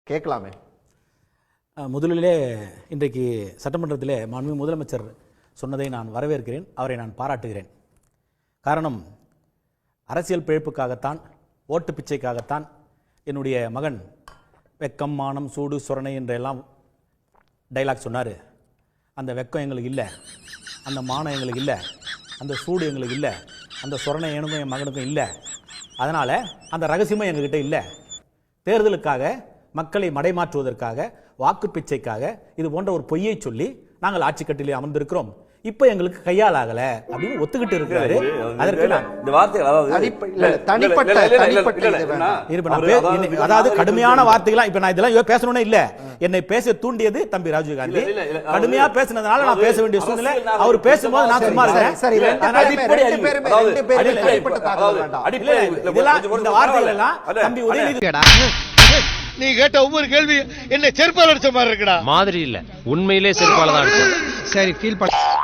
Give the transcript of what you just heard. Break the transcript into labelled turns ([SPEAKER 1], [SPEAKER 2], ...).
[SPEAKER 1] கேட்கலாமே.
[SPEAKER 2] முதலிலே இன்றைக்கு சட்டமன்றத்திலே மாண்புமிகு முதலமைச்சர் சொன்னதை நான் வரவேற்கிறேன், அவரை நான் பாராட்டுகிறேன். காரணம், அரசியல் பிழைப்புக்காகத்தான், ஓட்டு பிச்சைக்காகத்தான் என்னுடைய மகன் வெக்கம், மானம், சூடு, சொரணை என்றெல்லாம் டைலாக் சொன்னார். அந்த வெக்கம் எங்களுக்கு இல்லை, அந்த மானம் எங்களுக்கு இல்லை, அந்த சூடு எங்களுக்கு இல்லை, அந்த சொரணை எனக்கும் என் மகனுக்கும் இல்லை. அதனால் அந்த ரகசியமும் எங்ககிட்ட இல்லை. தேர்தலுக்காக, மக்களை மடைமாற்றுவதற்காக, வாக்கு பிச்சைக்காக இது போன்ற ஒரு பொய்யை சொல்லி நாங்கள் ஆட்சி கட்டிலே அமர்ந்திருக்கிறோம். இப்ப எங்களுக்கு கையால் ஆகல அப்படின்னு ஒத்துக்கிட்டு இருக்கிறாரு. அதற்கு
[SPEAKER 3] இந்த வார்த்தைகள்
[SPEAKER 2] அதாவது கடுமையான வார்த்தைகள். இப்ப நான் இதெல்லாம் பேசணும்னே இல்ல, என்னை பேச தூண்டியது தம்பி ராஜீவ் காந்தி. கடுமையா பேசினதுனால நான் பேச வேண்டிய சூழ்நிலை. அவர் பேசும்போது நான் சும்மா இருக்கேன். இந்த வார்த்தைகள் எல்லாம் தம்பி உதயநிதி,
[SPEAKER 4] நீ கேட்ட ஒவ்வொரு கேள்வி என்ன செருப்பால் அடிச்ச மாதிரி இருக்குடா.
[SPEAKER 5] மாதிரி இல்ல, உண்மையிலே செருப்பால தான் அடிச்சேன்.
[SPEAKER 4] சரி, ஃபீல் பண்ண.